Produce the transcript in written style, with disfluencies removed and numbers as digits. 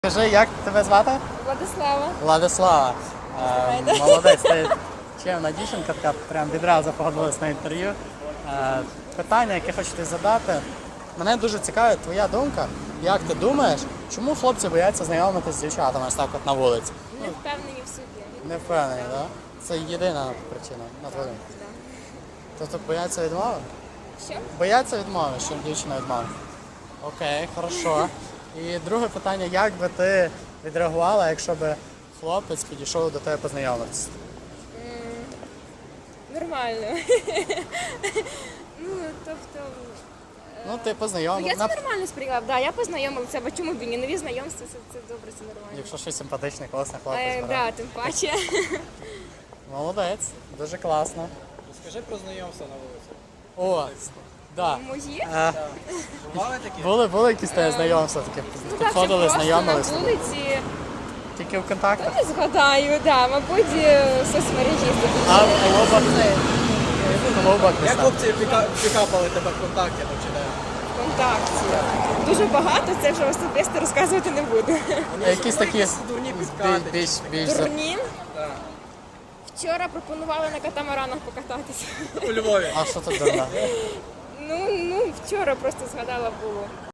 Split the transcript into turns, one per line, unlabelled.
Скажи, як тебе звати?
Владислава.
Владислава. Молодець, ти чемна дівчинка, така прям відразу погодилась на інтерв'ю. Питання, яке хочу тобі задати. Мене дуже цікавить твоя думка. Як ти думаєш, чому хлопці бояться знайомитися з дівчатами ось так от на вулиці?
Не впевнені в собі.
Не впевнений, так? Це єдина причина, на твою думку.
Да.
Тобто бояться відмови?
Що?
Бояться відмови, що дівчина відмовить. Окей, хорошо. І друге питання, як би ти відреагувала, якщо б хлопець підійшов до тебе познайомитися?
Нормально. Ну, тобто...
Ну, ти познайомив.
Я це нормально сприйняла. Да, я познайомилася, бо чому б і ні? Нові знайомства, це добре, це нормально.
Якщо щось симпатичний, класний хлопець.
Да, тим паче.
Молодець, дуже класно.
Розкажи про знайомство на вулиці.
О, да.
Мої?
Бували такі?
Були якісь тебе знайомства такі?
Ну так,
Підходили,
просто на
знайомилися?
вулиці.
Тільки в контактах?
Не згадаю, да, мабуть, соцмережі.
А в клубах? В клубах десь
Як
там.
хлопці пікапали тебе ВКонтакті там чи де?
ВКонтакті. Дуже багато, це вже особисто розказувати не буду.
Якісь такі
дурні підкати.
більш
Турні.
Так.
Вчора пропонували на катамаранах покататися.
У Львові.
А що тут дурна?
Ну, вчора просто згадала було.